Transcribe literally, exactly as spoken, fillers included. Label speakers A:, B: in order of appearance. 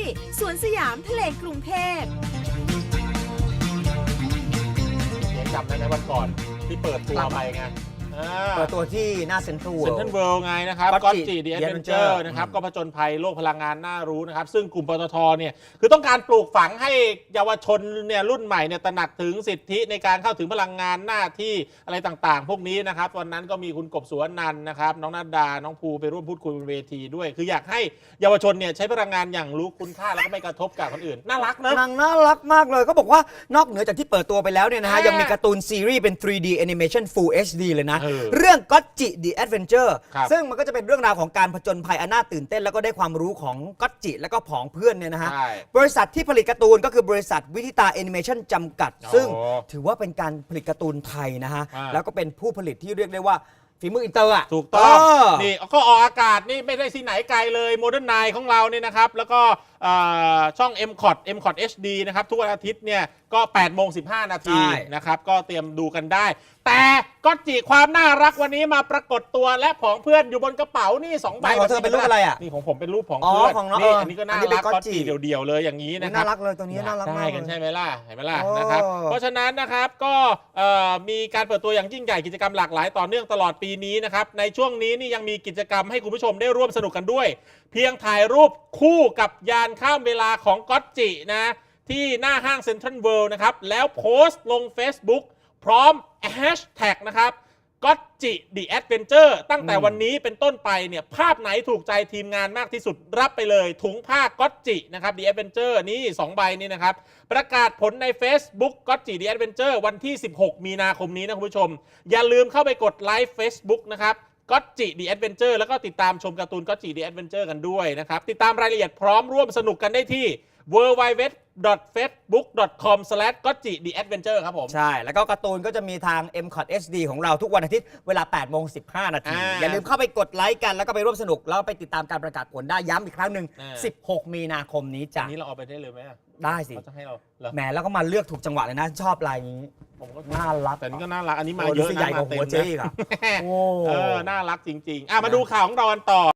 A: สวนสยามทะเลกรุงเทพ
B: ยังจำได้ไหมวันก่อนที่เปิดตัวไปไง
C: เปิดตัวที่หน้าเซ็นทรัล
B: เซ็นทรัลเวิลด์ไงนะครับก็จีดีแอดเวนเจอร์นะครับก็ผจญภัยโลกพลังงานน่ารู้นะครับซึ่งกลุ่มปตทเนี่ยคือต้องการปลูกฝังให้เยาวชนเนี่ยรุ่นใหม่เนี่ยตระหนักถึงสิทธิในการเข้าถึงพลังงานหน้าที่อะไรต่างๆพวกนี้นะครับวันนั้นก็มีคุณกบสุวรรณันท์นะครับน้องนาดาน้องภูไปร่วมพูดคุยบนเวทีด้วยคืออยากให้เยาวชนเนี่ยใช้พลังงานอย่างรู้คุณค่าแล้วก็ไม่กระทบกับคนอื่นน่ารักนะ
C: นางน่ารักมากเลยก็บอกว่านอกเหนือจากที่เปิดตัวไปแล้วเนี่ยนะฮะยังมีการ์ตูนซีรีส์เป็น ทรี ดี Animation Full เอช ดี เลยนะเรื่องก็จิ The Adventure ซึ่งมันก็จะเป็นเรื่องราวของการผจญภัยอันน่าตื่นเต้นแล้วก็ได้ความรู้ของก็จิแล้วก็ผองเพื่อนเนี่ยนะฮะบริษัทที่ผลิตการ์ตูนก็คือบริษัทวิทิตาแอนิเมชันจำกัดซึ่งถือว่าเป็นการผลิตการ์ตูนไทยนะฮะแล้วก็เป็นผู้ผลิตที่เรียกได้ว่าฝีมืออินเตอร์อ่ะ
B: ถูกต้องนี่ก็ออกอากาศนี่ไม่ได้ที่ไหนไกลเลยโมเดิร์นไนของเราเนี่ยนะครับแล้วก็ช่อง เอ็ม คอท เอ็ม คอท เอช ดี นะครับทุกวันอาทิตย์เนี่ยก็แปดโมงสิบห้านาทีนะครับก็เตรียมดูกันได้แต่ก็จีความน่ารักวันนี้มาปรากฏตัวและของเพื่อนอยู่บนกระเป๋านี่สองใบ
C: ของเธอเป็นรูปอะไรอ่ะ
B: นี่ของผมเป็นรูปของเพื่อนนี่อันนี้ก็น่ารักก็จีเดี่ยวๆเลยอย่างนี้นะครับ
C: น่ารักเลยตัวนี้น่ารักมาก
B: ได้กันใช่ไหมล่ะเห็นไหมล่ะนะครับเพราะฉะนั้นนะครับก็มีการเปิดตัวอย่างยิ่งใหญ่กิจกรรมหลากหลายต่อเนื่องตลอดปีนี้นะครับในช่วงนี้นี่ยังมีกิจกรรมให้คุณผู้ชมได้ร่วมสนุกกันด้วยเพียงถ่ายรูปคู่กับยานข้ามเวลาของก็อตจินะที่หน้าห้างเซ็นทรัลเวิลด์นะครับแล้วโพสต์ลง Facebook พร้อมแฮชแท็กนะครับก็อตจิ The Adventure ตั้งแต่วันนี้เป็นต้นไปเนี่ยภาพไหนถูกใจทีมงานมากที่สุดรับไปเลยถุงผ้าก็อตจินะครับ The Adventure นี่สองใบนี่นะครับประกาศผลใน Facebook ก็อตจิ The Adventure วันที่สิบหกมีนาคมนี้นะคุณผู้ชมอย่าลืมเข้าไปกดไลค์ Facebook นะครับก็อตจิ The Adventure แล้วก็ติดตามชมการ์ตูนก็อตจิ The Adventure กันด้วยนะครับติดตามรายละเอียดพร้อมร่วมสนุกกันได้ที่ ดับเบิลยู ดับเบิลยู ดับเบิลยู ดอท เฟซบุ๊ก ดอท คอม สแลช ก็อตจิ ดี แอดเวนเจอร์ ครับผม
C: ใช่แล้วก็การ์ตูนก็จะมีทาง เอ็ม คอท เอช ดี ของเราทุกวันอาทิตย์เวลาแปดโมงสิบห้านาทีอย่าลืมเข้าไปกดไลค์กันแล้วก็ไปร่วมสนุกแล้วไปติดตามการประกาศผลได้ย้ำอีกครั้งหนึ่งสิบหกมีนาคมนี้จ้ะ
B: นี้เราเอาไปได้เลยไหม
C: ได้สิ
B: เขาจะให้เรา
C: แหมแล้วก็มาเลือกถูกจังหวะเลยนะชอบลายนี้
B: ผมก็
C: น่ารัก
B: แต่นี่ก็น่ารักอันนี้มาเยอะนะ
C: ใหญ่กว่าหัวเจ๊อีกอ่ะ
B: โอ้เออน่ารักจริงๆอ่ะมาดูข่าวของเรากันต่อ